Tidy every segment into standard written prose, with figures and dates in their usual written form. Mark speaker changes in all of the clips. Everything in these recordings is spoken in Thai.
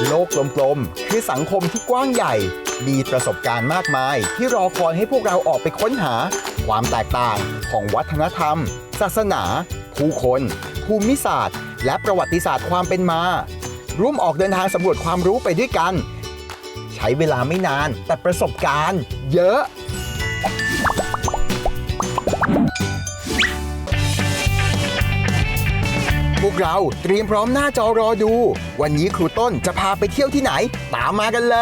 Speaker 1: โลกกลมๆคือสังคมที่กว้างใหญ่มีประสบการณ์มากมายที่รอคอยให้พวกเราออกไปค้นหาความแตกต่างของวัฒนธรรม ศาสนา ผู้คน ภูมิศาสตร์ และประวัติศาสตร์ความเป็นมาร่วมออกเดินทางสำรวจความรู้ไปด้วยกัน ใช้เวลาไม่นานแต่ประสบการณ์เยอะพวกเราเตรียมพร้อมหน้าจอรอดู วันนี้ครูต้นจะพาไปเที่ยวที่ไหน ตามมากันเลย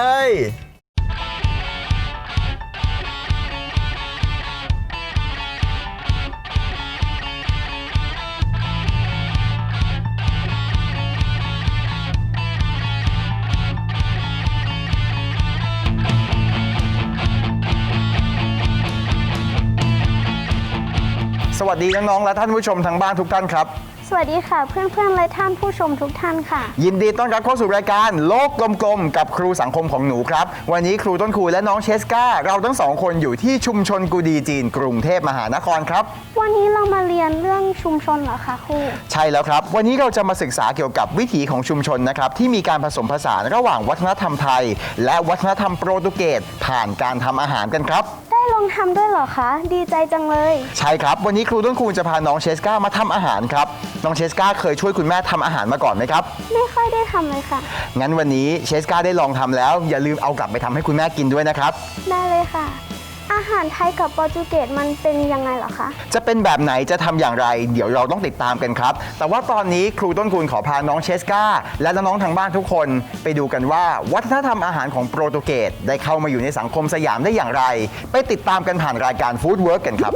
Speaker 1: สวัสดีน้องๆและท่านผู้ชมทางบ้านทุกท่านครับ
Speaker 2: สวัสดีค่ะเพื่อนๆและท่านผู้ชมทุกท่านค่ะ
Speaker 1: ยินดีต้อนรับเข้าสู่รายการโลกกลมๆกับครูสังคมของหนูครับวันนี้ครูต้นครูและน้องเชสกาเราทั้งสองคนอยู่ที่ชุมชนกูดีจีนกรุงเทพมหานครครับ
Speaker 2: วันนี้เรามาเรียนเรื่องชุมชนเหรอคะครู
Speaker 1: ใช่แล้วครับวันนี้เราจะมาศึกษาเกี่ยวกับวิถีของชุมชนนะครับที่มีการผสมผสานระหว่างวัฒนธรรมไทยและวัฒนธรรมโปรตุเกสผ่านการทำอาหารกันครับ
Speaker 2: ได้ลองทำด้วยเหรอคะดีใจจังเลย
Speaker 1: ใช่ครับวันนี้ครูต้นครูจะพาน้องเชสกามาทำอาหารครับน้องเชสกาเคยช่วยคุณแม่ทำอาหารมาก่อนไหมครับ
Speaker 2: ไม่ค่อยได้ทำเลยค่ะ
Speaker 1: งั้นวันนี้เชสกาได้ลองทำแล้วอย่าลืมเอากลับไปทำให้คุณแม่กินด้วยนะครับ
Speaker 2: ได้เลยค่ะอาหารไทยกับโปรตุเกสมันเป็นยังไงเหรอคะ
Speaker 1: จะเป็นแบบไหนจะทำอย่างไรเดี๋ยวเราต้องติดตามกันครับแต่ว่าตอนนี้ครูต้นคูณขอพาน้องเชสกาและน้องๆทางบ้านทุกคนไปดูกันว่าวัฒนธรรมอาหารของโปรตุเกสได้เข้ามาอยู่ในสังคมสยามได้อย่างไรไปติดตามกันผ่านรายการฟู้ดเวิร์กกันครับ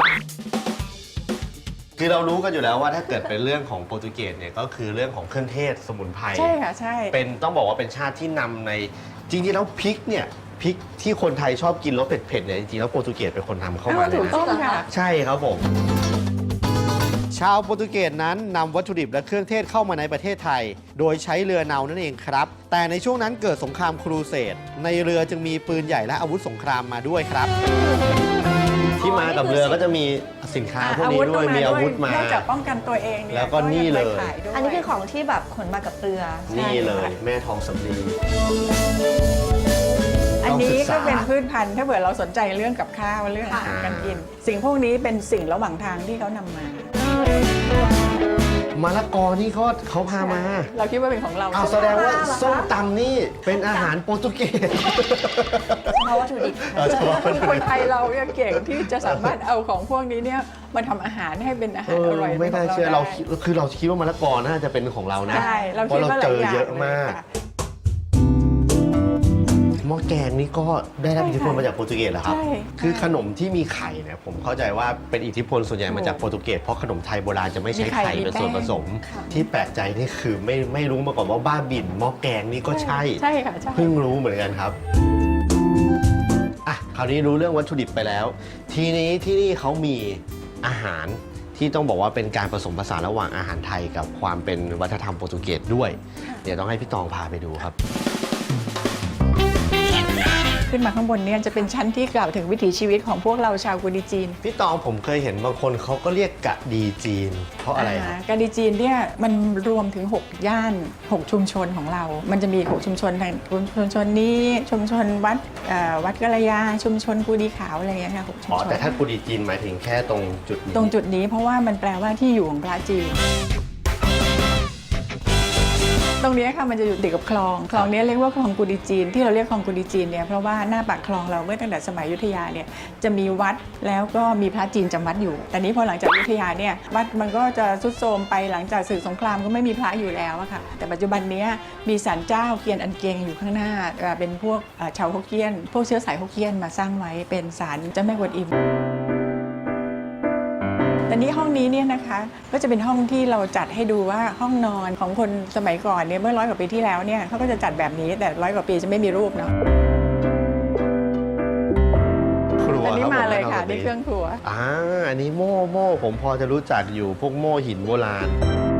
Speaker 3: คือเรารู้กันอยู่แล้วว่าถ้าเกิดเป็นเรื่องของโปรตุเกสเนี่ยก็คือเรื่องของเครื่องเทศสมุนไพร
Speaker 4: ใช่ค่ะใช่
Speaker 3: เป็นต้องบอกว่าเป็นชาติที่นำในจริงๆแล้วพริกเนี่ยพริกที่คนไทยชอบกินรสเผ็ดๆเนี่ยจริงๆแล้วโปรตุเกสเป็นคนทำเข้ามาเลยนะ
Speaker 4: ถูกต้องค่ะ
Speaker 3: ใช่ครับผมชาวโปรตุเกสนั้นนำวัตถุดิบและเครื่องเทศเข้ามาในประเทศไทยโดยใช้เรือเนานั่นเองครับแต่ในช่วงนั้นเกิดสงครามครูเสดในเรือจึงมีปืนใหญ่และอาวุธสงครามมาด้วยครับที่มากับเรือก็จะมีสินค้าพวกนี้ด้วยมีอาวุธมา
Speaker 4: เนื่องจากป้องกันตัวเอง
Speaker 3: แล้วก็นี่เลย
Speaker 5: อันนี้คือของที่แบบขนมากับเรือ
Speaker 3: นี่เลยแม่ทองสำลี
Speaker 4: อันนี้ก็เป็นพืชพันธุ์ถ้าเผื่อเราสนใจเรื่องกับข้าวเรื่องอาหารการกินสิ่งพวกนี้เป็นสิ่งระหว่างทางที่เขานำมาม
Speaker 3: ะละกอนี่เขาพามา
Speaker 4: เราคิดว่าเป็นของเรา
Speaker 3: แสดงว่าส้มตำนี่เป็นอาหารโปรตุเกส
Speaker 5: เพราะวัตถุดิบ
Speaker 4: คนไทยเราเนี่ยเก่งที่จะสามารถเอาของพวกนี้เนี่ยมาทำอาหารให้เป็นอาหารอร่อย
Speaker 3: ไม่น่าเชื่อเราคิดว่ามะละกอน่าจะเป็นของเรานะ
Speaker 4: ใช่
Speaker 3: เพราะเราเจอเยอะมากหม้อแกงนี่ก็ได้รับอิทธิพลมาจากโปรตุเกสเหรอครับคือขนมที่มีไข่เนี่ยผมเข้าใจว่าเป็นอิทธิพลส่วนใหญ่มาจากโปรตุเกสเพราะขนมไทยโบราณจะไม่ใช้ไข่เป็นส่วนผสมที่แปลกใจนี่คือไม่รู้มาก่อนว่าบ้าบิ่นหม้อแกงนี่ก็ใช่
Speaker 4: ค่ะ
Speaker 3: เพิ่งรู้เหมือนกันครับคราวนี้รู้เรื่องวัตถุดิบไปแล้วทีนี้ที่นี่เขามีอาหารที่ต้องบอกว่าเป็นการผสมผสานระหว่างอาหารไทยกับความเป็นวัฒนธรรมโปรตุเกสด้วยเดี๋ยวต้องให้พี่ตองพาไปดูครับ
Speaker 4: ขึ้นมาข้างบนเนี่ยจะเป็นชั้นที่กล่าวถึงวิถีชีวิตของพวกเราชาวกูดีจีน
Speaker 3: พี่ตองผมเคยเห็นบางคนเขาก็เรียกกะดีจีนเพราะอะไรครับ
Speaker 4: กะดีจีนเนี่ยมันรวมถึง6ย่าน6ชุมชนของเรามันจะมี6ชุมชนทางชุมชนนี้ชุมชนวัดกะระยาชุมชนกูดีขาวอะไรอย่างเงี้ยค่ะ6ชุมชน
Speaker 3: แต่ถ้ากูดีจีนหมายถึงแค่ตรงจุ
Speaker 4: ดนี้เพราะว่ามันแปลว่าที่อยู่ของพระจีนตรงนี้ค่ะมันจะอยู่ติดกับคลองนี้เรียกว่าคลองกูดีจีนที่เราเรียกคลองกูดีจีนเนี่ยเพราะว่าหน้าปากคลองเราเมื่อตั้งแต่สมัยอยุธยาเนี่ยจะมีวัดแล้วก็มีพระจีนจำวัดอยู่แต่นี้พอหลังจากอยุธยาเนี่ยวัดมันก็จะทรุดโทรมไปหลังจากศึกสงครามก็ไม่มีพระอยู่แล้วอะค่ะแต่ปัจจุบันนี้มีศาลเจ้าเกียนอันเกงอยู่ข้างหน้าเป็นพวกชาวฮกเกี้ยนพวกเชื้อสายฮกเกี้ยนมาสร้างไว้เป็นศาลเจ้าแม่กวนอิมแต่นี้ห้องนี้เนี่ยนะคะก็จะเป็นห้องที่เราจัดให้ดูว่าห้องนอนของคนสมัยก่อนเนี่ยเมื่อ100 กว่าปีที่แล้วเนี่ยเขาก็จะจัดแบบนี้แต่100 กว่าปีจะไม่มีรูปเนาะอันนี้มาเลยค่ะนี่เครื่องครัว
Speaker 3: อันนี้โม่ผมพอจะรู้จักอยู่พวกโม่หินโบราณ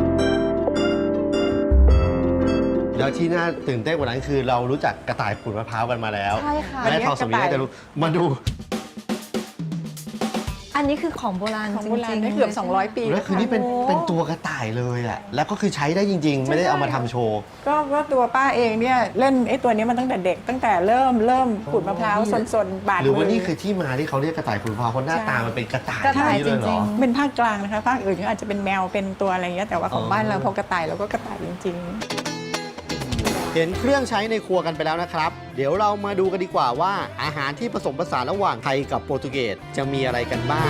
Speaker 3: แล้วที่น่าตื่นเต้นกว่านั้นคือเรารู้จักกระต่ายขูดมะพร้าวกันมาแล้ว
Speaker 5: ใช่ค่ะ
Speaker 3: แม่ทองสำลีน่าจะรู้มาดู
Speaker 5: อันนนี้คือของโบราณ
Speaker 4: ของ
Speaker 5: จ
Speaker 4: โบราณ
Speaker 5: ริงๆ
Speaker 4: ได้เกือบ
Speaker 5: ลยใช่ไหม
Speaker 4: 200 ปี
Speaker 3: แล้วคือนี่เป็นตัวกระต่ายเลยแหละแล้วก็คือใช้ได้จริง ๆ ไม่ได้เอามาทำโชว์
Speaker 4: ก็ตัวป้าเองเนี่ยเล่นไอ้ตัวนี้มันตั้งแต่เด็กตั้งแต่เริ่มขูดมะพร้าวสนๆบาด
Speaker 3: หรือว่า
Speaker 4: มื
Speaker 3: นี่คือที่มาที่เขาเรียกกระต่ายขูดมะพร้าวเพราะหน้าตามันเป็นกระต่าย
Speaker 5: กระต่าย
Speaker 3: นี้เลยเหร
Speaker 5: จริ
Speaker 3: อ
Speaker 5: ง
Speaker 4: เป็นภาคกลางนะคะภาคอื่นก็อาจจะเป็นแมวเป็นตัวอะไรอย่างเงี้ยแต่ว่าของบ้านเราพอกระต่ายเราก็กระต่ายจริง
Speaker 3: เห็นเครื่องใช้ในครัวกันไปแล้วนะครับ เดี๋ยวเรามาดูกันดีกว่าว่าอาหารที่ผสมผสานระหว่างไทยกับโปรตุเกสจะมีอะไรกันบ้าง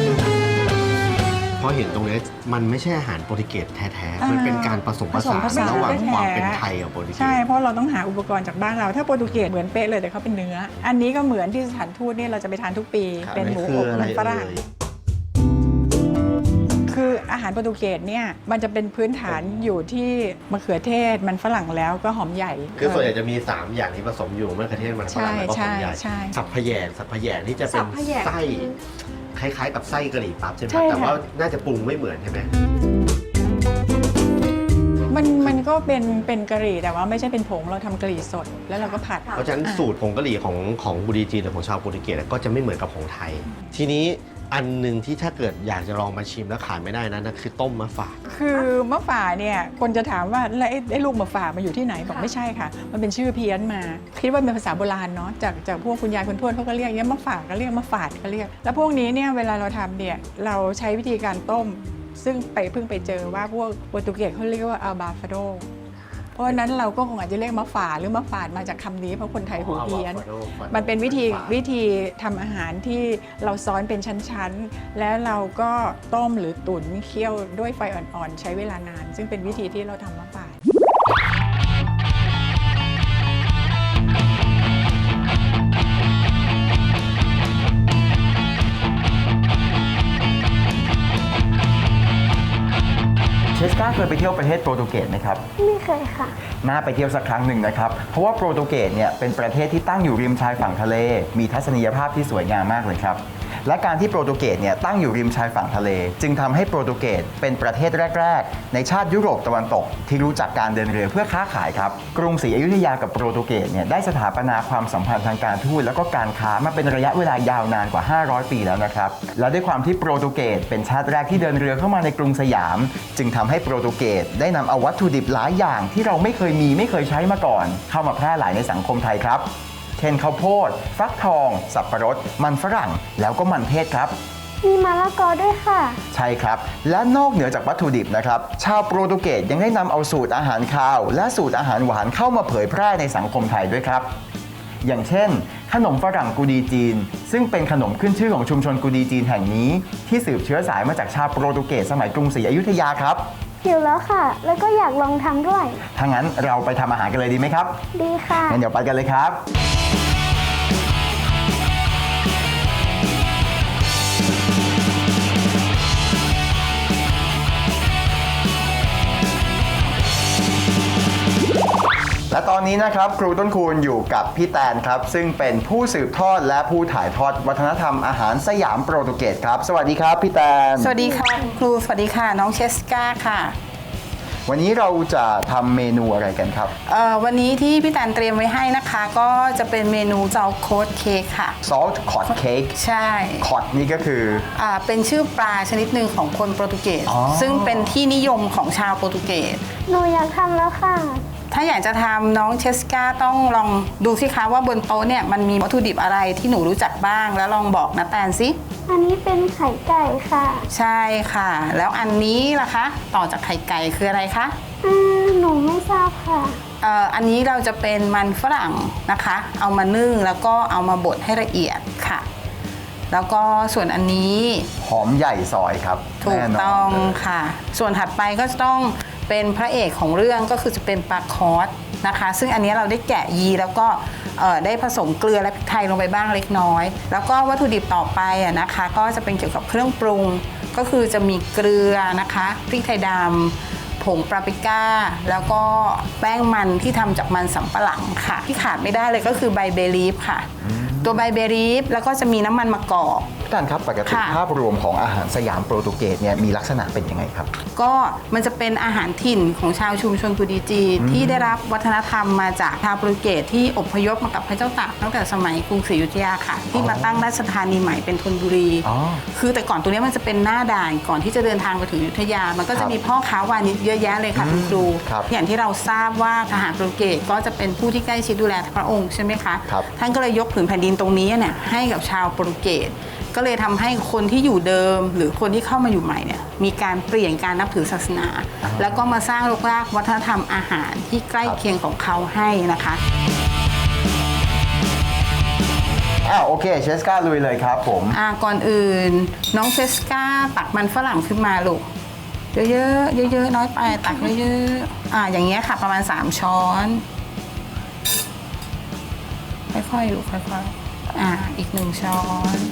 Speaker 3: เพราะเห็นตรงนี้มันไม่ใช่อาหารโปรตุเกสแท้ๆมันเป็นการผสมผสานระหว่างความเป็นไทยกับโปรตุเก
Speaker 4: ใช่
Speaker 3: ส
Speaker 4: เพราะเราต้องหาอุปกรณ์จากบ้านเราถ้าโปรตุเกสเหมือนเป๊ะเลยแต่เขาเป็นเนื้อ อันนี้ก็เหมือนที่สถานทูตเนี่ยเราจะไปทานทุกปี
Speaker 3: ครับ
Speaker 4: เป็นหมู
Speaker 3: คือ
Speaker 4: อบ
Speaker 3: อะไร
Speaker 4: มันฝรั่ง
Speaker 3: เอ่ย
Speaker 4: คืออาหารโปรตุเกสเนี่ยมันจะเป็นพื้นฐานอยู่ที่มะเขือเทศมันฝรั่งแล้วก็หอมใหญ่
Speaker 3: คือส่วนใหญ่จะมี 3 อย่างที่ผสมอยู่มะเขือเทศมันฝรั่งแล้วก็หอมใหญ่
Speaker 4: ใช่
Speaker 3: สับพะแยงที่จะเป็น
Speaker 5: สับพะแยง
Speaker 3: ไส้คล้ายๆกับไส้กะหรี่ปั๊บใช่ไหม
Speaker 4: ใช่
Speaker 3: แต่
Speaker 4: ค่ะ
Speaker 3: ว่าน่าจะปรุงไม่เหมือนใช่ไหม
Speaker 4: มันก็เป็นกะหรี่แต่ว่าไม่ใช่เป็นผงเราทำกะหรี่สดแล้วเราก็ผัด
Speaker 3: เพราะฉะนั้นสูตรผงกะหรี่ของบุรีจีนหรือของชาวโปรตุเกสก็จะไม่เหมือนกับของไทย ทีนี้อันหนึ่งที่ถ้าเกิดอยากจะลองมาชิมแล้วขาดไม่ได้นะนั่นคือต้มมะฝาด
Speaker 4: คือมะฝ่าเนี่ยคนจะถามว่าแล้วไอ้ลูกมะฝ่ามาอยู่ที่ไหนบอกไม่ใช่ค่ะ มันเป็นชื่อเพี้ยนมาคิดว่าเป็นภาษาโบราณเนาะจากพวกคุณยายคุณทวดเขาก็เรียกอย่างเงี้ยมะฝ่าก็เรียกมะฝาดก็เรียกแล้วพวกนี้เนี่ยเวลาเราทำเนี่ยเราใช้วิธีการต้ม ซึ่งเพิ่งไปเจอว่าพวกโปรตุเกสเขาเรียกว่าอัลบาฟาโดเพราะฉะนั้นเราก็คงอาจจะเรียกมะฝาหรือมะฝาดมาจากคำนี้เพราะคนไทยหูเพี้ยน มันเป็นวิธีทำอาหารที่เราซ้อนเป็นชั้นๆ แล้วเราก็ต้มหรือตุ๋นเคี่ยวด้วยไฟอ่อนๆ ใช้เวลานาน ซึ่งเป็นวิธีที่เราทำมะฝาด
Speaker 1: เชสกาเคยไปเที่ยวประเทศโปรตุเกสไหมครับ
Speaker 2: ไม่เคยค่ะ
Speaker 1: น่าไปเที่ยวสักครั้งหนึ่งนะครับ เพราะว่าโปรตุเกสเนี่ยเป็นประเทศที่ตั้งอยู่ริมชายฝั่งทะเล มีทัศนียภาพที่สวยงามมากเลยครับ และการที่โปรตุเกสเนี่ยตั้งอยู่ริมชายฝั่งทะเล จึงทำให้โปรตุเกสเป็นประเทศแรกๆในชาติยุโรปตะวันตกที่รู้จักการเดินเรือเพื่อค้าขายครับ กรุงศรีอยุธยากับโปรตุเกสเนี่ยได้สถาปนาความสัมพันธ์ทางการทูตแล้วก็การค้ามาเป็นระยะเวลายาวนานกว่า 500 ปีแล้วนะครับ และด้วยความที่โปรตุเกสเป็นชาติแรกที่เดินเรือเข้ามาในกรุงสยาม จึงทำให้โปรตุเกสได้นำเอาวัตถุดิบหลายอย่างที่เราไม่เคยใช้มาก่อน เข้ามาแพร่หลายในสังคมไทยครับเช่นข้าวโพดฟักทอง สับปะรด มันฝรั่ง แล้วก็มันเทศครับ
Speaker 2: มีมะละกอด้วยค่ะ
Speaker 1: ใช่ครับ และนอกเหนือจากวัตถุดิบนะครับ ชาวโปรตุเกสยังได้นำเอาสูตรอาหารคาว และสูตรอาหารหวานเข้ามาเผยแพร่ในสังคมไทยด้วยครับ อย่างเช่น ขนมฝรั่งกูดีจีน ซึ่งเป็นขนมขึ้นชื่อของชุมชนกูดีจีนแห่งนี้ ที่สืบเชื้อสายมาจากชาวโปรตุเกสสมัยกรุงศรีอยุธยาครับ
Speaker 2: หิวแล้วค่ะ แล้วก็อยากลองทำด้วย
Speaker 1: ถ้างั้นเราไปทำอาหารกันเลยดีไหมครับ
Speaker 2: ดีค่ะ
Speaker 1: งั้นเดี๋ยวไปกันเลยครับ และตอนนี้นะครับครูต้นคูณอยู่กับพี่แตนครับ ซึ่งเป็นผู้สืบทอดและผู้ถ่ายทอดวัฒนธรรมอาหารสยามโปรตุเกสครับ สวัสดีครับพี่แตน
Speaker 6: สวัสดีค่ะคุณครูสวัสดีค่ะน้องเชสกาค่ะ
Speaker 1: วันนี้เราจะทำเมนูอะไรกันครับ
Speaker 6: วันนี้ที่พี่แตนเตรียมไว้ให้นะคะ ก็จะเป็นเมนูเจ้าโค้ดเค้กค่ะ
Speaker 1: salt cod cake
Speaker 6: ใช่
Speaker 1: cod นี่ก็คือ
Speaker 6: เป็นชื่อปลาชนิดหนึ่งของคนโปรตุเกส
Speaker 1: อ๋อ
Speaker 6: ซึ่งเป็นที่นิยมของชาวโปรตุเกส
Speaker 2: หนูอยากทำแล้วค่ะ
Speaker 6: ถ้าอยากจะทำน้องเชสกาต้องลองดูสิคะว่าบนโต๊ะเนี่ยมันมีวัตถุดิบอะไรที่หนูรู้จักบ้าง แล้วลองบอกนะแตนสิ
Speaker 2: อันนี้เป็นไข่ไก่ค่ะ
Speaker 6: ใช่ค่ะ แล้วอันนี้ล่ะคะ ต่อจากไข่ไก่คืออะไรคะ
Speaker 2: หนูไม่ทราบค่ะ
Speaker 6: อันนี้เราจะเป็นมันฝรั่งนะคะ เอามานึ่งแล้วก็เอามาบดให้ละเอียดค่ะ แล้วก็ส่วนอันนี้
Speaker 1: หอมใหญ่ซอยครับ
Speaker 6: ถูก
Speaker 1: แน่นน
Speaker 6: ต้อง
Speaker 1: เลย
Speaker 6: ค่ะ ส่วนถัดไปก็จะต้องเป็นพระเอกของเรื่องก็คือจะเป็นปลาคอสนะคะ ซึ่งอันนี้เราได้แกะยีแล้วก็ได้ผสมเกลือและพริกไทยลงไปบ้างเล็กน้อย แล้วก็วัตถุดิบต่อไปนะคะ ก็จะเป็นเกี่ยวกับเครื่องปรุง ก็คือจะมีเกลือนะคะพริกไทยดำผงปาปริก้า แล้วก็แป้งมันที่ทำจากมันสำปะหลังค่ะ ที่ขาดไม่ได้เลยก็คือใบเบลีฟค่ะ ตัวใบเบลีฟแล้วก็จะมีน้ำมันมะกอก
Speaker 1: พี่ตันครับปกติ
Speaker 6: ค่ะ
Speaker 1: ภาพรวมของอาหารสยามโปรตุเกสเนี่ยมีลักษณะเป็นยังไงครับ
Speaker 6: ก็มันจะเป็นอาหารถิ่นของชาวชุมชนกุดีจีนที่ได้รับวัฒนธรรมมาจากชาวโปรตุเกสที่อพยพมากับพระเจ้าตากตั้งแต่สมัยกรุงศรีอยุธยาค่ะ ที่มาตั้งราชธานีใหม่เป็นธนบุรี
Speaker 1: อ๋อ
Speaker 6: คือแต่ก่อนตรงนี้มันจะเป็นหน้าด่านก่อนที่จะเดินทางไปถึงอยุธยา มันก็
Speaker 1: ครั
Speaker 6: จะ
Speaker 1: บ
Speaker 6: มีพ่อค้าวานิชเยอะแยะเลยค่ะคุณครู
Speaker 1: ครับ
Speaker 6: อย่างที่เราทราบว่าทหารโปรตุเกสก็จะเป็นผู้ที่ใกล้ชิดดูแลพระองค์ใช่ไหมคะ
Speaker 1: ครับ
Speaker 6: ท่านก็เลยยกผืนแผ่นดินตรงนี้เนี่ยให้กับชาวโปรตุเกสก็เลยทำให้คนที่อยู่เดิมหรือคนที่เข้ามาอยู่ใหม่เนี่ยมีการเปลี่ยนการนับถือศาสนา แล้วก็มาสร้างรกรากวัฒนธรรมอาหารที่ใกล้เคียงของเขาให้นะคะ
Speaker 1: โอเคเชสกาลุยเลยครับผม
Speaker 6: ก่อนอื่นน้องเซสกาตักมันฝรั่งขึ้นมาลูกเยอะๆเยอะๆน้อยไปตักเยอะๆอย่างเงี้ยค่ะประมาณ3ช้อนค่อยๆลูกค่อยๆอีก1ช้อน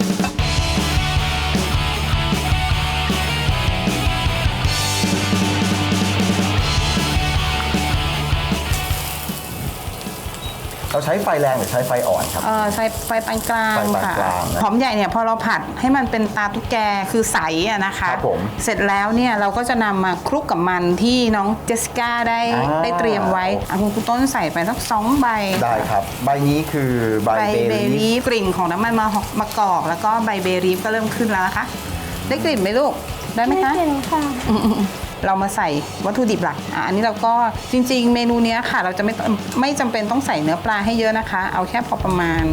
Speaker 1: เราใช้ไฟแรงหรือใช้ไฟอ่อนครับ
Speaker 6: ใช้ไฟปานกลาง
Speaker 1: ไฟปาน
Speaker 6: ค่ะ
Speaker 1: กลางนะ
Speaker 6: หอมใหญ่เนี่ยพอเราผัดให้มันเป็นตาตุ๊กแกคือใสอะนะคะ
Speaker 1: ครับผม
Speaker 6: เสร็จแล้วเนี่ยเราก็จะนำมาคลุกกับมันที่น้องเจสสิก้าได้เตรียมไว้คุณครูต้นใส่ไปสัก2 ใบ
Speaker 1: ได้ครับ ใบนี้คือใบ
Speaker 6: ใบ
Speaker 1: เบ
Speaker 6: เบ
Speaker 1: ลี
Speaker 6: รีฟกลิ่นของน้ำมันมะกอกแล้วก็ใบเบรีฟก็เริ่มขึ้นแล้วนะคะ ได้กลิ่นไหมลูกได้ไหม
Speaker 2: ไม่
Speaker 6: คะ
Speaker 2: เห็นค่ะ
Speaker 6: เรามาใส่วัตถุดิบหลักอันนี้เราก็จริงๆ เมนูเนี้ยค่ะ เราจะไม่จำเป็นต้องใส่เนื้อปลาให้เยอะนะคะ เอาแค่พอประมาณ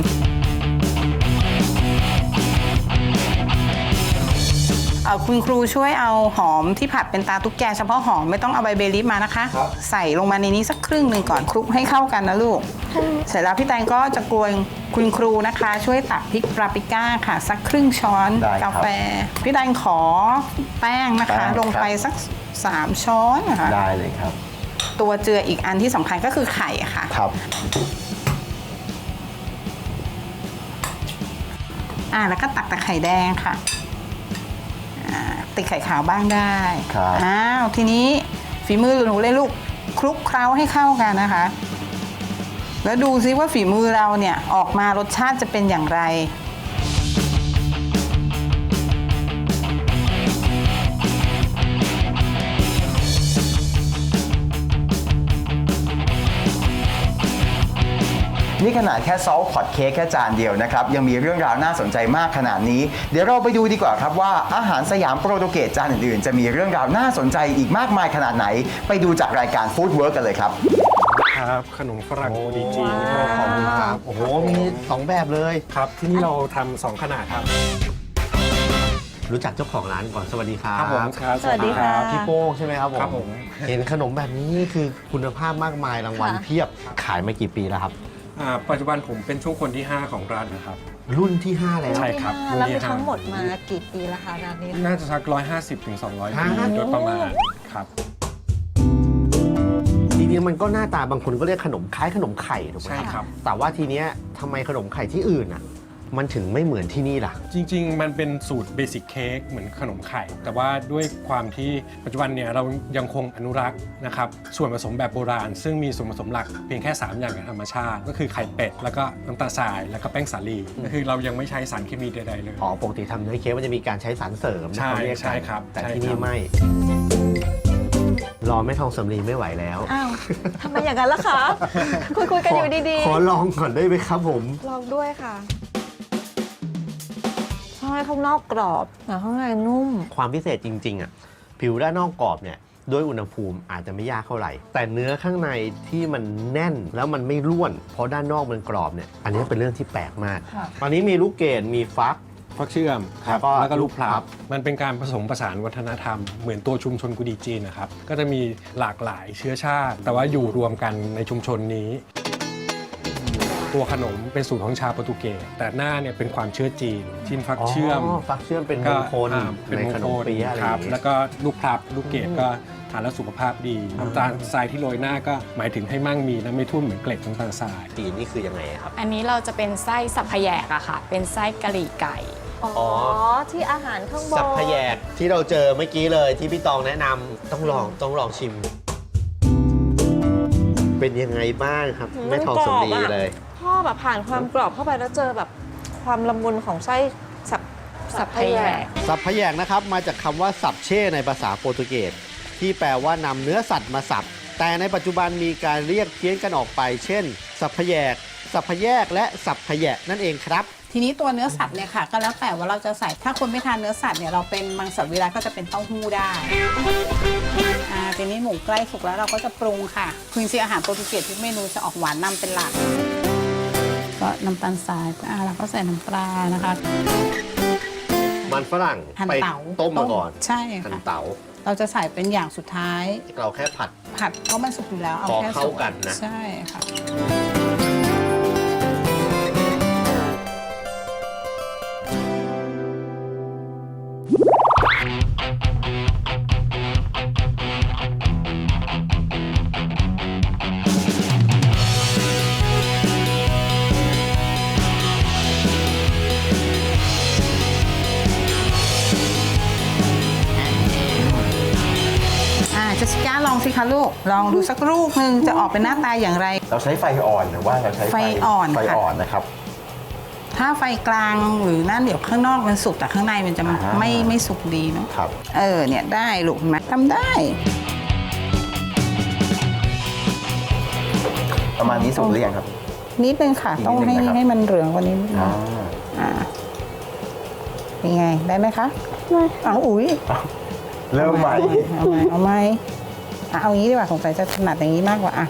Speaker 6: คุณครูช่วยเอาหอมที่ผัดเป็นตาตุ๊กแกเฉพาะหอมไม่ต้องเอาใบเบลีฟมานะคะ ใส่ลงมาในนี้สักครึ่งหนึ่งก่อนคลุกให้เข้ากันนะลูก เสร็จแล้วพี่แตงก็จะกวนคุณครูนะคะ ช่วยตักพริกปาปริก้าค่ะสักครึ่งช้อน
Speaker 1: ได้ครับ
Speaker 6: กาแฟพี่แตงขอแป้งนะคะ
Speaker 1: แป้ง
Speaker 6: ลงไปสัก3 ช้อนนะคะ
Speaker 1: ได้เลยครับ
Speaker 6: ตัวเจืออีกอันที่สำคัญก็คือไข่ค่ะ
Speaker 1: ครับ
Speaker 6: แล้วก็ตักแต่ไข่แดงค่ะติดไข่ขาวบ้างได้
Speaker 1: ครับ
Speaker 6: ทีนี้ฝีมือหนูเลยลูกคลุกเคล้าให้เข้ากันนะคะ แล้วดูซิว่าฝีมือเราเนี่ยออกมารสชาติจะเป็นอย่างไร
Speaker 1: นี่ขนาดแค่ซอสพอตเค้กแค่จานเดียวนะครับ ยังมีเรื่องราวน่าสนใจมากขนาดนี้ เดี๋ยวเราไปดูดีกว่าครับว่าอาหารสยามโปรตุเกสจานอื่นๆ จะมีเรื่องราวน่าสนใจอีกมากมายขนาดไหน ไปดูจากรายการ Food Work กันเลยครับ
Speaker 7: ครับขนมฝรั่งกุดีจีน
Speaker 3: ขอบคุณครับ โอ้โห มี2แบบเลย
Speaker 7: ครับที่นี่เราทำ2ขนาดครับ
Speaker 3: รู้จักเจ้าของร้านก่อน สวัสดีครับ
Speaker 7: ครับผมครับ
Speaker 5: สวัสดีค่ะ
Speaker 3: พี่โป้งใช่ไหมครับผม
Speaker 7: ครับผม
Speaker 3: เห็นขนมแบบนี้นี่คือคุณภาพมากมายรางวัล
Speaker 5: ค่ะ
Speaker 3: เพียบ ขายมากี่ปีแล้วครับ
Speaker 7: ปัจจุบันผมเป็นช่วงคนที่ 5 ของร้านนะครับ
Speaker 3: รุ่นที่ 5 แล้ว
Speaker 7: ใช่ครับ
Speaker 5: แล้วมี
Speaker 7: รุ่นที่ห้า
Speaker 5: ทั้งหมดมากี่ปีแล้วคะร้านนี้
Speaker 7: น่าจะสัก150 ถึง 200 ปี
Speaker 3: ฮะ
Speaker 7: โดยประมาณครับ
Speaker 3: ทีนี้มันก็หน้าตาบางคนก็เรียกขนมคล้ายขนมไข่ถูกไหม
Speaker 7: ใช่ครับ
Speaker 3: แต่ว่าทีเนี้ยทำไมขนมไข่ที่อื่นอ่ะ มันถึงไม่เหมือนที่นี่ล่ะ
Speaker 7: จริงๆ มันเป็นสูตรเบสิ c เค้กเหมือนขนมไข่ แต่ว่าด้วยความที่ปัจจุบันเนี่ยเรายังคงอนุรักษ์นะครับส่วนผสมแบบโบราณ ซึ่งมีส่วนผสมหลักเพียงแค่ 3 อย่างจากธรรมชาติ ก็คือไข่เป็ด แล้วก็น้ำตาลทราย แล้วก็แป้งสาลีก็คือเรายังไม่ใช้สารเคมีใดๆเลย
Speaker 3: อ๋อ ปกติทำเนื้อเค้กมันจะมีการใช้สารเสริมนะ
Speaker 7: ใช่
Speaker 3: เขาเรียกกัน
Speaker 7: ใช่ครับ
Speaker 3: แต่
Speaker 7: ใช่
Speaker 3: ที่
Speaker 7: ค
Speaker 3: นี่
Speaker 7: รับ
Speaker 3: ไม่ รอแม่ทองสำลีไม่ไหวแล้ว
Speaker 5: อ้าวทำไมอย่างนั้นล่ะคะ คุยกันอยู่ดี
Speaker 3: ขอลองก่อนได้ไหมครับผม
Speaker 5: ๆ ลองด้วยค่ะใช่ข้างนอกกรอบแต่ข้างในนุ่ม
Speaker 3: ความพิเศษจริงๆอ่ะผิวด้านนอกกรอบเนี่ยด้วยอุณหภูมิอาจจะไม่ยากเท่าไหร่ แต่เนื้อข้างในที่มันแน่นแล้วมันไม่ร่วน เพราะด้านนอกมันกรอบเนี่ยอันนี้เป็นเรื่องที่แปลกมาก
Speaker 5: ค่ะ
Speaker 3: ตอนนี้มีลูกเกดมีฟัก
Speaker 7: ฟักเชื่อมครับ
Speaker 3: แล้วก็
Speaker 7: แล้วก็ลูกพลั
Speaker 3: ลูกพลั
Speaker 7: บบ มันเป็นการผสมผสานวัฒนธรรมเหมือนตัวชุมชนกุดีจีนนะครับก็จะมีหลากหลายเชื้อชาติ แต่ว่าอยู่รวมกันในชุมชนนี้ ตัวขนมเป็นสูตรของชาวโปรตุเกสแต่หน้าเนี่ยเป็นความเชื่อจีนชิ้นฟักเชื่อม
Speaker 3: ฟักเชื่อมเป็นม
Speaker 7: ก็
Speaker 3: งคล
Speaker 7: เป็น
Speaker 3: ใน
Speaker 7: มง
Speaker 3: ขน
Speaker 7: ค
Speaker 3: ม
Speaker 7: ล
Speaker 3: เปี๊ยะอะไร
Speaker 7: ค
Speaker 3: อ
Speaker 7: รั
Speaker 3: ย่า
Speaker 7: บ
Speaker 3: งเงี้ย
Speaker 7: แล้วก็ลูกพลับลูกเกดก็ทานแล้วสุขภาพดีน้ำตาลทรายที่โรยหน้าก็หมายถึงให้มั่งมีและไม่ทุ่มเหมือนเกล็ดน้ำตาลทราย
Speaker 3: จีนนี่คือยังไงครับ
Speaker 8: อันนี้เราจะเป็นไส้สับพะแยกอะค่ะ เป็นไส้กะหรี่ไก่
Speaker 5: อ๋อ ที่อาหารข้างบน
Speaker 3: สับพะแยกที่เราเจอเมื่อกี้เลยที่พี่ตองแนะนำต้องลองชิม เป็นยังไงบ้างครับแม่ทองสำลีเลย
Speaker 5: พ่อแบบผ่านความกรอบเข้าไปแล้วเจอแบบความละมุนของไส้
Speaker 8: สับพแยก
Speaker 3: สับพแยกนะครับมาจากคำว่าสับเช่ในภาษาโปรตุเกสที่แปลว่านำเนื้อสัตว์มาสับแต่ในปัจจุบันมีการเรียกเพี้ยนกันออกไปเช่น สับพแยก สับพแยกและสับพแยะนั่นเองครับ
Speaker 6: ทีนี้ตัวเนื้อสัตว์เนี่ยค่ะก็แล้วแต่ว่าเราจะใส่ถ้าคนไม่ทานเนื้อสัตว์เนี่ยเราเป็นมังสวิรัติก็จะเป็นเต้าหู้ได้ทีนี้หมูใกล้สุกแล้วเราก็จะปรุงค่ะคือจริงๆอาหารโปรตุเกสทุกเมนูจะออกหวานนำเป็นหลักก็น้ำตาลทรายเราก็ใส่น้ำปลานะคะ
Speaker 3: มันฝรั่ง
Speaker 6: หั่น
Speaker 3: ไป
Speaker 6: เต๋า
Speaker 3: ต้มมาก่อน
Speaker 6: ใช่
Speaker 3: หั่น
Speaker 6: ค่ะ
Speaker 3: เต๋า
Speaker 6: เราจะใส่เป็นอย่างสุดท้าย
Speaker 3: เราแค่ผัด
Speaker 6: ผัดเพราะมันสุกอยู่แล้วเอา
Speaker 3: พอ
Speaker 6: แค่
Speaker 3: เข้า
Speaker 6: สุก
Speaker 3: กันนะ
Speaker 6: ใช่ค่ะ เจสสิก้าลองสิคะลูก ลองดูสักลูกหนึ่งจะออกเป็นหน้าตาอย่างไร
Speaker 1: เราใช้ไฟอ่อนหรือว่าเราใช้
Speaker 6: ไฟอ่อน
Speaker 1: ไฟ
Speaker 6: ค่ะ
Speaker 1: อ่อนนะครับ
Speaker 6: ถ้าไฟกลางหรือนั่นเดี๋ยวข้างนอกมันสุกแต่ข้างในมันจะ
Speaker 1: อ่า
Speaker 6: ไม่สุกดีเนาะ
Speaker 1: ครับ
Speaker 6: เนี่ยได้ลูกเห็นไหมทำได้
Speaker 1: ประมาณนี้สุกหรือยังครับ
Speaker 6: นิดนึงค่ะ
Speaker 1: อีกนิด
Speaker 6: ต้อง
Speaker 1: นึงนะครับ
Speaker 6: ให้มันเหลืองกว่านี้นิดนึง
Speaker 1: อ่า
Speaker 6: เป็นไงได้ไหมคะเอาอุ๊ย
Speaker 1: เริ่มใหม่
Speaker 6: เอาไหมเอางี้ดีกว่าสงสัยจะถนัดอย่างนี้มากกว่าอ่ะ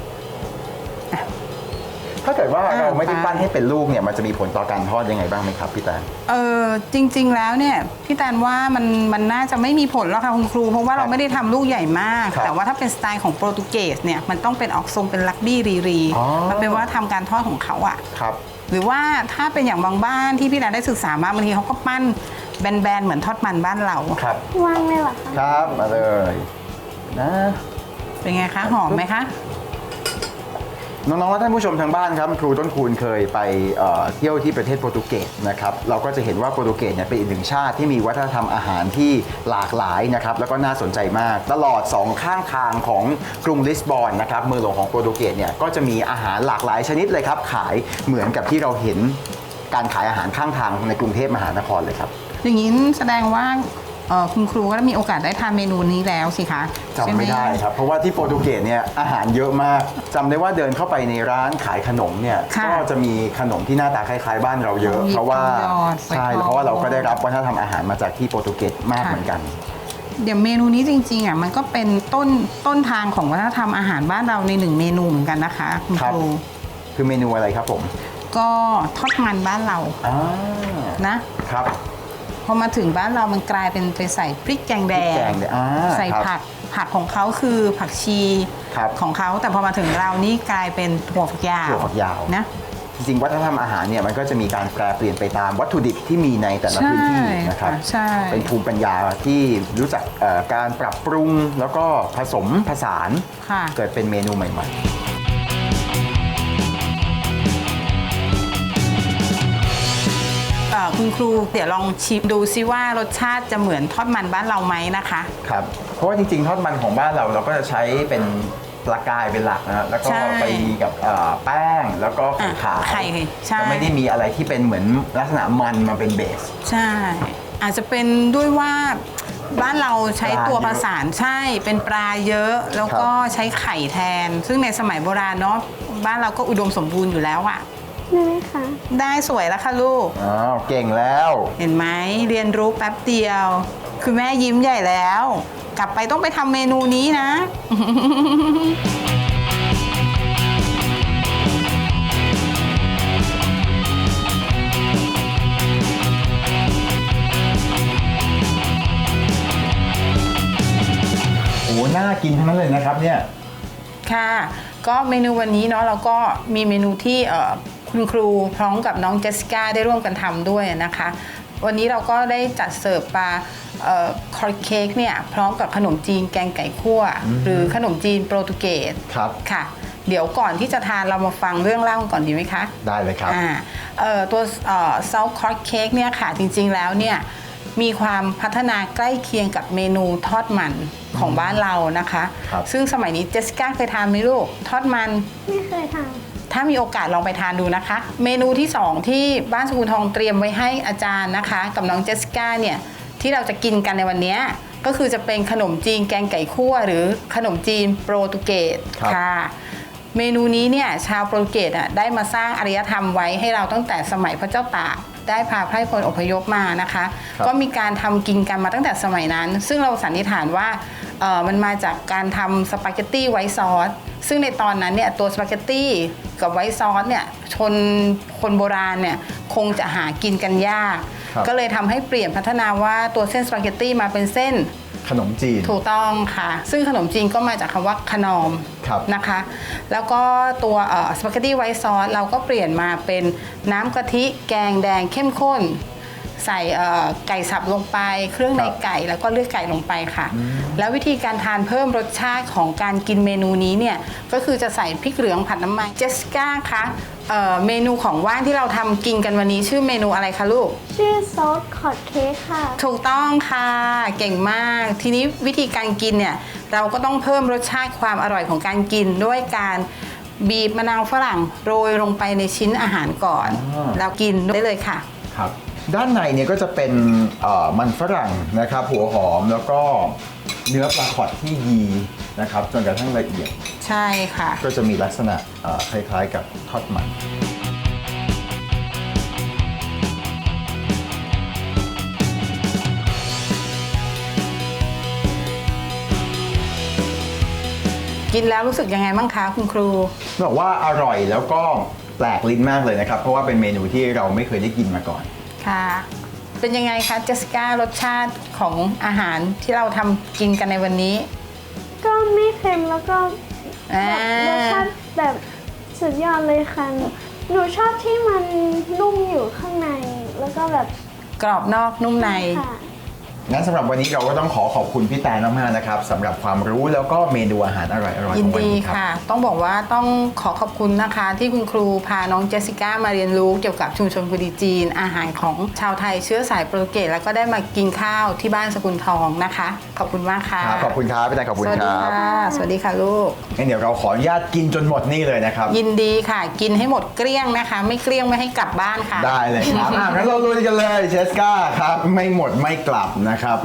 Speaker 1: ถ้าเกิดว่าเราไม่ได้
Speaker 6: ไป
Speaker 1: ปั้นให้เป็นลูกเนี่ยมันจะมีผลต่อการทอดยังไงบ้างไหมครับพี่แตน
Speaker 6: จริง ๆ แล้วเนี่ยพี่แตนว่ามันน่าจะไม่มีผลแล้วค่ะคุณครู เพราะว่าเราไม่ได้ทำลูกใหญ่มาก
Speaker 1: ครับ
Speaker 6: แต่ว่าถ้าเป็นสไตล์ของโปรตุเกสเนี่ยมันต้องเป็นออกทรงเป็นลักบี้รี
Speaker 1: อ๋อ
Speaker 6: มันเป็นว่าทำการทอดของเขาอะ
Speaker 1: ครับ
Speaker 6: หรือว่าถ้าเป็นอย่างบางบ้านที่พี่แตนได้ศึกษามาบางทีเขาก็ปั้นแบนๆเหมือนทอดมันบ้านเรา
Speaker 1: ครับ
Speaker 2: วางเลยเหรอคะ
Speaker 1: ครับมาเลยนะ
Speaker 6: เป็นไงคะหอมไหมคะ
Speaker 1: น้องๆและท่านผู้ชมทางบ้านครับครูต้นคูณเคยไปเที่ยวที่ประเทศโปรตุเกสนะครับเราก็จะเห็นว่าโปรตุเกสเนี่ยเป็นอีกหนึ่งชาติที่มีวัฒนธรรมอาหารที่หลากหลายนะครับแล้วก็น่าสนใจมากตลอด2ข้างทางของกรุงลิสบอนนะครับเมืองหลวงของโปรตุเกสเนี่ยก็จะมีอาหารหลากหลายชนิดเลยครับขายเหมือนกับที่เราเห็นการขายอาหารข้างทางในกรุงเทพมหานครเลยครับ
Speaker 6: อย่างนี้แสดงว่าคุณครูก็มีโอกาสได้ทานเมนูนี้แล้วสิคะ
Speaker 1: จำไม่ได้ครับ เพราะว่าที่โปรตุเกสเนี่ยอาหารเยอะมากจำได้ว่าเดินเข้าไปในร้านขายขนมเนี่ยก็จะมีขนมที่หน้าตาคล้ายๆบ้านเราเยอะ เพราะว่าใช่เพราะว่าเราก็ได้รับวัฒนธรรมอาหารมาจากที่โปรตุเกสมากเหมือนกัน
Speaker 6: เดี๋ยวเมนูนี้จริงๆมันก็เป็นต้นทางของวัฒนธรรมอาหารบ้านเราในหนึ่งเมนูเหมือนกันนะคะคุณครู
Speaker 1: คือเมนูอะไรครับผม
Speaker 6: ก็ทอดมันบ้านเรานะครับพอมาถึงบ้านเรามันกลายเป็นไปใส่พริกแกงแดงใส่ผักของเขาคือผักชีของเขาแต่พอมาถึงเรานี่กลายเป็นถั่วฝักยาวนะ
Speaker 1: จริงๆวัฒนธรรมอาหารเนี่ยมันก็จะมีการแปรเปลี่ยนไปตามวัตถุดิบที่มีในแต่ละพื้นที่นะครับเป็นภูมิปัญญาที่รู้จักการปรับปรุงแล้วก็ผสมผสานเกิดเป็นเมนูใหม่ๆ
Speaker 6: คุณครูเดี๋ยวลองชิมดูซิว่ารสชาติจะเหมือนทอดมันบ้านเราไหมนะคะ
Speaker 1: ครับเพราะว่าจริงๆทอดมันของบ้านเราก็จะใช้เป็นปลากายเป็นหลักนะแล้วก็ไปกับแป้งแล้วก็ไข่ขาวจะไม่ได้มีอะไรที่เป็นเหมือนลักษณะมันมาเป็นเบส
Speaker 6: ใช่อาจจะเป็นด้วยว่าบ้านเราใช้ตัวผสานใช่เป็นปลาเยอะแล้วก็ใช้ไข่แทนซึ่งในสมัยโบราณเนาะบ้านเราก็อุดมสมบูรณ์อยู่แล้วอะ
Speaker 2: ได้ไหมคะ
Speaker 6: ได้สวยแล้วค่ะลูก
Speaker 1: เก่งแล้ว
Speaker 6: เห็นไหมเรียนรู้แป๊บเดียวคือแม่ยิ้มใหญ่แล้วกลับไปต้องไปทำเมนูนี้นะ
Speaker 1: โอ้น่ากินทั้งนั้นเลยนะครับเนี่ย
Speaker 6: ค่ะก็เมนูวันนี้เนาะเราก็มีเมนูที่คุณครูพร้อมกับน้องเจสสิก้าได้ร่วมกันทำด้วยนะคะวันนี้เราก็ได้จัดเสิร์ฟปลาคอร์เค้กเนี่ยพร้อมกับขนมจีนแกงไก่คั่วหรือขนมจีนโปรตุเกสค่ะเดี๋ยวก่อนที่จะทานเรามาฟังเรื่องเล่าก่อนดีไหมคะ
Speaker 1: ได้เลยครับ
Speaker 6: ตัวซอสคอร์เค้กเนี่ยค่ะจริงๆแล้วเนี่ยมีความพัฒนาใกล้เคียงกับเมนูทอดมันของบ้านเรานะคะซึ่งสมัยนี้เจสสิก้าเคยทานไหมลูกทอดมัน
Speaker 2: ไม่เคยท
Speaker 6: ถ้ามีโอกาสลองไปทานดูนะคะ เมนูที่ 2 ที่บ้านสกุลทองเตรียมไว้ให้อาจารย์นะคะกับน้องเจสสิก้าเนี่ยที่เราจะกินกันในวันนี้ก็คือจะเป็นขนมจีนแกงไก่คั่วหรือขนมจีนโปรตุเกสค่ะเมนูนี้เนี่ยชาวโปรตุเกสได้มาสร้างอารยธรรมไว้ให้เราตั้งแต่สมัยพระเจ้าตากได้พาไพร่พลอพยพมานะคะก็มีการทำกินกันมาตั้งแต่สมัยนั้นซึ่งเราสันนิษฐานว่ามันมาจากการทำสปาเกตตี้ไวท์ซอสซึ่งในตอนนั้นเนี่ยตัวสปาเกตตี้กับไวท์ซอสเนี่ยคนโบราณเนี่ยคงจะหากินกันยากก็เลยทำให้เปลี่ยนพัฒนาว่าตัวเส้นสปาเกตตี้มาเป็นเส้น
Speaker 1: ขนมจีน
Speaker 6: ถูกต้องค่ะซึ่งขนมจีนก็มาจากคำว่าขนอมนะคะแล้วก็ตัวสปาเกตตี้ไวท์ซอสเราก็เปลี่ยนมาเป็นน้ำกะทิแกงแดงเข้มข้นใส่ไก่สับลงไปเครื่องในไก่แล้วก็เลือดไก่ลงไปค่ะแล้ววิธีการทานเพิ่มรสชาติของการกินเมนูนี้เนี่ยก็คือจะใส่พริกเหลืองผัดน้ำมันเจสสิก้าคะเมนูของว่างที่เราทำกินกันวันนี้ชื่อเมนูอะไรคะลูก
Speaker 2: ชื่อซอสคอตเค้กค่ะ
Speaker 6: ถูกต้องค่ะเก่งมากทีนี้วิธีการกินเนี่ยเราก็ต้องเพิ่มรสชาติความอร่อยของการกินด้วยการบีบมะนาวฝรั่งโรยลงไปในชิ้นอาหารก่อนแล้วกินได้เลยค่ะ
Speaker 1: ครับด้านในเนี่ยก็จะเป็นมันฝรั่งนะครับหัวหอมแล้วก็เนื้อปลาขอดที่ยีนะครับจนกระทั่งละเอียด
Speaker 6: ใช่ค่ะ
Speaker 1: ก็จะมีลักษณะคล้ายๆกับทอดมัน
Speaker 6: กินแล้วรู้สึกยังไงบ้างคะคุณครู
Speaker 1: บอกว่าอร่อยแล้วก็แปลกลิ้นมากเลยนะครับเพราะว่าเป็นเมนูที่เราไม่เคยได้กินมาก่อน
Speaker 6: ค่ะเป็นยังไงคะเจสสิก้ารสชาติของอาหารที่เราทำกินกันในวันนี้
Speaker 2: ก็ไม่เค็มแล้วก็รสชาติแบบสุดยอดเลยค่ะหนูชอบที่มันนุ่มอยู่ข้างในแล้วก็แบบ
Speaker 6: กรอบนอกนุ่มใน
Speaker 1: งั้นสำหรับวันนี้เราก็ต้องขอบคุณพี่แตนมากๆนะครับสำหรับความรู้แล้วก็เมนูอาหารอร่อยๆของวันนี้ครับยินดี
Speaker 6: ค่ะต้องบอกว่าต้องขอบคุณนะคะที่คุณครูพาน้องเจสสิก้ามาเรียนรู้เกี่ยวกับชุมชนกุดีจีนอาหารของชาวไทยเชื้อสายโปรตุเกสแล้วก็ได้มากินข้าวที่บ้านสกุลทองนะคะขอบคุณมากค่ะ
Speaker 1: ขอบคุณครับพี่แตนขอบคุณครับ
Speaker 6: สวัสดีค่ะลูก
Speaker 1: งั้นเดี๋ยวเราขออนุญาตกินจนหมดนี่เลยนะครับ
Speaker 6: ยินดีค่ะกินให้หมดเกลี้ยงนะคะไม่เกลี้ยงไม่ให้กลับบ้านค่ะ
Speaker 1: ได้เลยครับงั้นเราลุยกันเลยเจสสิก้าครับไม่หมดไม่กลับนะครับ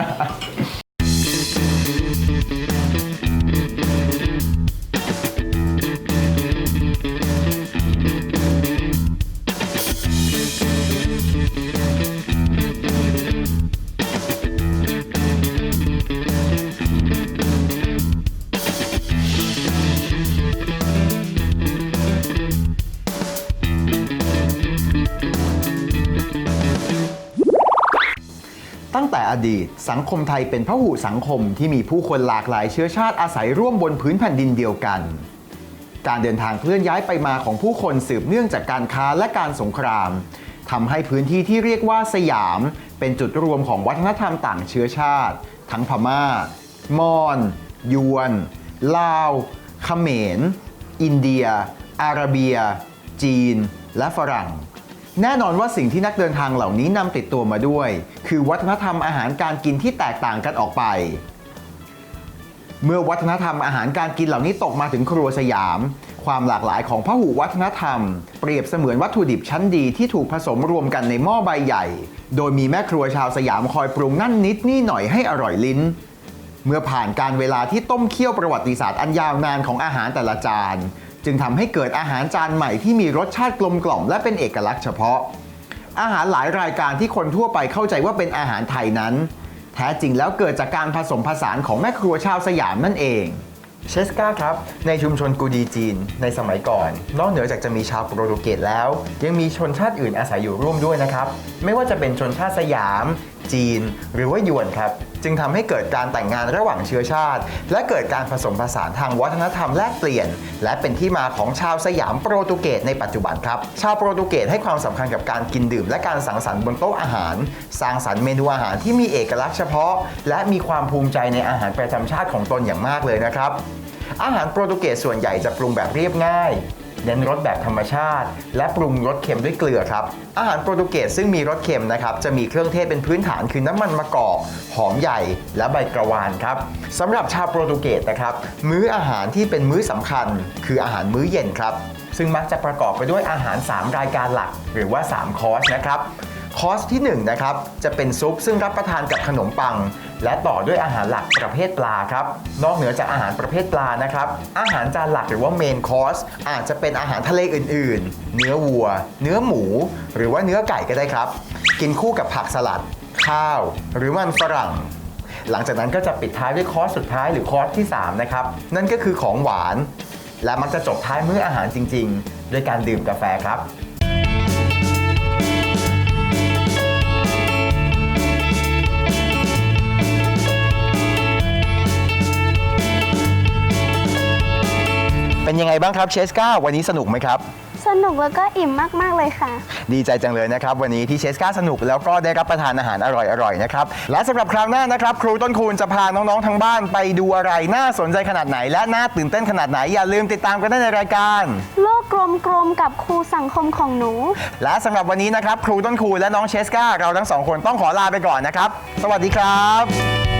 Speaker 1: ตั้งแต่อดีตสังคมไทยเป็นพหุสังคมที่มีผู้คนหลากหลายเชื้อชาติอาศัยร่วมบนพื้นแผ่นดินเดียวกันการเดินทางเคลื่อนย้ายไปมาของผู้คนสืบเนื่องจากการค้าและการสงครามทำให้พื้นที่ที่เรียกว่าสยามเป็นจุดรวมของวัฒนธรรมต่างเชื้อชาติทั้งพม่ามอญยวนลาวเขมรอินเดียอาระเบียจีนและฝรั่งแน่นอนว่าสิ่งที่นักเดินทางเหล่านี้นำติดตัวมาด้วยคือวัฒนธรรมอาหารการกินที่แตกต่างกันออกไปเมื่อวัฒนธรรมอาหารการกินเหล่านี้ตกมาถึงครัวสยามความหลากหลายของพหุวัฒนธรรมเปรียบเสมือนวัตถุดิบชั้นดีที่ถูกผสมรวมกันในหม้อใบใหญ่โดยมีแม่ครัวชาวสยามคอยปรุงนั่นนิดนี่หน่อยให้อร่อยลิ้นเมื่อผ่านการเวลาที่ต้มเคี่ยวประวัติศาสตร์อันยาวนานของอาหารแต่ละจานจึงทำให้เกิดอาหารจานใหม่ที่มีรสชาติกลมกล่อมและเป็นเอกลักษณ์เฉพาะอาหารหลายรายการที่คนทั่วไปเข้าใจว่าเป็นอาหารไทยนั้นแท้จริงแล้วเกิดจากการผสมผสานของแม่ครัวชาวสยามนั่นเองเชสก้าครับในชุมชนกูดีจีนในสมัยก่อนนอกเหนือจากจะมีชาวโปรตุเกสแล้วยังมีชนชาติอื่นอาศัยอยู่ร่วมด้วยนะครับไม่ว่าจะเป็นชนชาติสยามจีนหรือว่าหยวนครับจึงทำให้เกิดการแต่งงานระหว่างเชื้อชาติและเกิดการผสมผสานทางวัฒนธรรมแลกเปลี่ยนและเป็นที่มาของชาวสยามโปรตุเกสในปัจจุบันครับชาวโปรตุเกสให้ความสำคัญกับการกินดื่มและการสังสรรค์บนโต๊ะอาหารสร้างสรรค์เมนูอาหารที่มีเอกลักษณ์เฉพาะและมีความภูมิใจในอาหารประจำชาติของตนอย่างมากเลยนะครับอาหารโปรตุเกสส่วนใหญ่จะปรุงแบบเรียบง่ายเน้นรสแบบธรรมชาติ และปรุงรสเค็มด้วยเกลือครับอาหารโปรตุเกสซึ่งมีรสเค็มนะครับจะมีเครื่องเทศเป็นพื้นฐานคือน้ำมันมะกอกหอมใหญ่และใบกระวานครับสำหรับชาวโปรตุเกสนะครับมื้ออาหารที่เป็นมื้อสำคัญคืออาหารมื้อเย็นครับซึ่งมักจะประกอบไปด้วยอาหาร3รายการหลักหรือว่า3คอร์สนะครับคอร์สที่1นะครับจะเป็นซุปซึ่งรับประทานกับขนมปังและต่อด้วยอาหารหลักประเภทปลาครับนอกเหนือจากอาหารประเภทปลานะครับอาหารจานหลักหรือว่าเมนคอร์สอาจจะเป็นอาหารทะเลอื่นๆเนื้อวัวเนื้อหมูหรือว่าเนื้อไก่ก็ได้ครับกินคู่กับผักสลัดข้าวหรือมันฝรั่งหลังจากนั้นก็จะปิดท้ายด้วยคอร์สสุดท้ายหรือคอร์สที่3นะครับนั่นก็คือของหวานและมักจะจบท้ายมื้ออาหารจริงๆด้วยการดื่มกาแฟครับเป็นยังไงบ้างครับเชสกาวันนี้สนุกไหมครับ
Speaker 2: สนุกแล้วก็อิ่มมากๆเลยค่ะ
Speaker 1: ดีใจจังเลยนะครับวันนี้ที่เชสกาสนุกแล้วก็ได้รับประทานอาหารอร่อยๆนะครับและสำหรับคราวหน้านะครับครูต้นคูณจะพาน้องๆทั้งบ้านไปดูอะไรน่าสนใจขนาดไหนและน่าตื่นเต้นขนาดไหนอย่าลืมติดตามกันได้ในรายการ
Speaker 2: โลกกลมๆกับครูสังคมของหนู
Speaker 1: และสำหรับวันนี้นะครับครูต้นคูณและน้องเชสกาเราทั้งสองคนต้องขอลาไปก่อนนะครับสวัสดีครับ